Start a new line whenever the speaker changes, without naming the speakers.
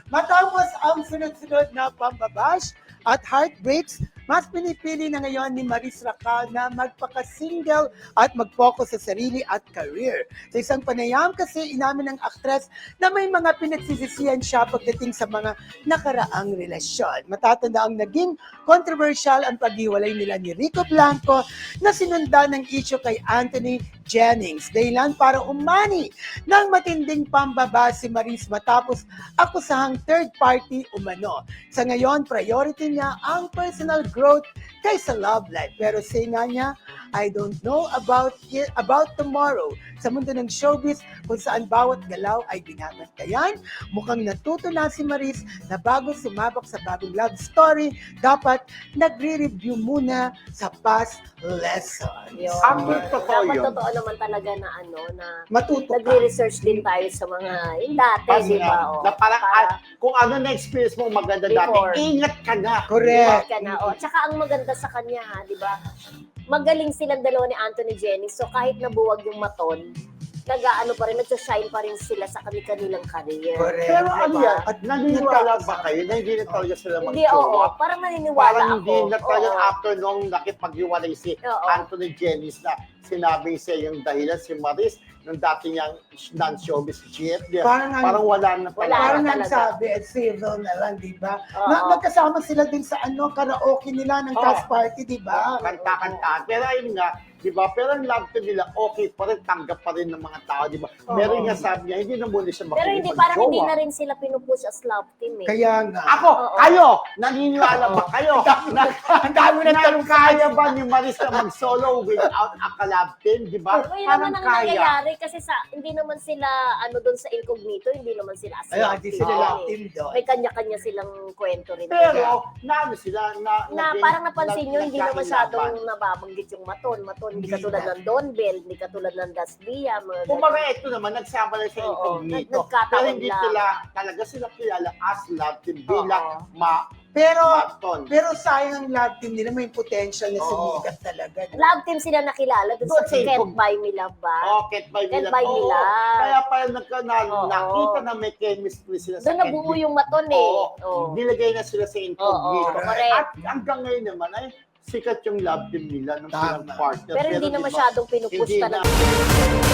Matapos ang sunod-sunod na pambabash at heartbreaks, mas pinipili na ngayon ni Maris Racal na magpaka-single at mag-focus sa sarili at career. Sa isang panayam kasi inamin ng aktres na may mga pinagsisisihan siya pagdating sa mga nakaraang relasyon. Matatanda ang naging controversial ang paghiwalay nila ni Rico Blanco na sinundan ng issue kay Anthony Jennings. Dahilan para umani ng matinding pambaba si Maris matapos akusahang third party umano. Sa ngayon, priority niya ang personal growth kaysa love life. Pero say nga niya, I don't know about tomorrow. Sa mundo ng showbiz, kung saan bawat galaw ay binabantayan, mukhang natuto na si Maris na bago sumabak sa bagong love story, dapat nagre-review muna sa past lesson.
Totoo
Dapat
yun.
totoo naman talaga na
Matuto ka.
nagre-research din tayo sa mga yung dati, di ba?
Na parang, kung ano na-experience mo maganda
Before.
dati, ingat ka na.
Correct.
Ka na. Tsaka ang maganda sa kanya, di ba? Magaling silang dalawa ni Anthony Jennings. So kahit nabuwag yung maton, nag-aano pa rin, nag-shine pa rin sila sa kanilang career.
Correct.
Pero ano
Diba?
yan, at naniniwala ba kayo na hindi na talaga sila
Hindi, oo.
mag-show?
Parang naniniwala
Parang
ako.
hindi na talaga
Oo.
after nung nakipag-iwalay si
Oo.
Anthony Jennings na sinabi siya yung dahilan si Maris nung dati niyang non-showbiz chief.
Parang
Wala na
Wala.
talaga.
Parang
talaga.
nagsabi, civil na lang, di ba?
Oo.
Nagkasama sila din sa karaoke nila ng
Oo.
cast party, di ba?
Kanta-kantaan. Pero ayun nga, di ba? Pero ang love team nila, okay pa rin, tanggap pa rin ng mga tao, di ba?
Oo.
Meron nga sabi niya, hindi na muna siya
Pero hindi, parang hindi
makikipag-jowa.
na rin sila pinupush as love team eh.
Kaya nga.
Ako,
Oo.
kayo, naniniwala ba kayo?
Ang dami na tanong sa
kaya ba ni Maris na mag-solo without a collab team, di ba?
Yun naman ang nangyayari kasi hindi naman sila doon sa incognito, hindi naman sila as
Ayun,
love
hindi
team.
sila
Oo.
love team doon.
May kanya-kanya silang kwento rin.
Pero, naano sila,
Parang napansin nyo, hindi na masyadong
nagkakilaban.
nababanggit yung maton. Hindi
Hindi
katulad
na.
ng Don Bell, hindi katulad ng Dasbia.
Kumbaga, ito naman, nagsama lang sa
Oo,
incognito.
nagkataon
Pero hindi
lang.
talaga sila kilala as love team
Oo.
bilang
Pero
maton.
sayang ang love team nila, may potential na
Oo.
sumikat talaga.
Love team sila nakilala doon
Doon
sa
sa
Can't Buy Me Love ba?
Can't buy
Can't
nila.
buy
Oo.
nila.
Kaya parang
Oo.
nakita na may chemistry sila sa
Doon nabuo yung maton eh.
Oo.
Oo.
Nilagay na sila sa incognito.
Oo, correct.
At hanggang ngayon naman ay sikat yung love team nila nung
Tama.
silang partner.
Pero hindi na
di ba,
masyadong pinupush
hindi
talaga.
na.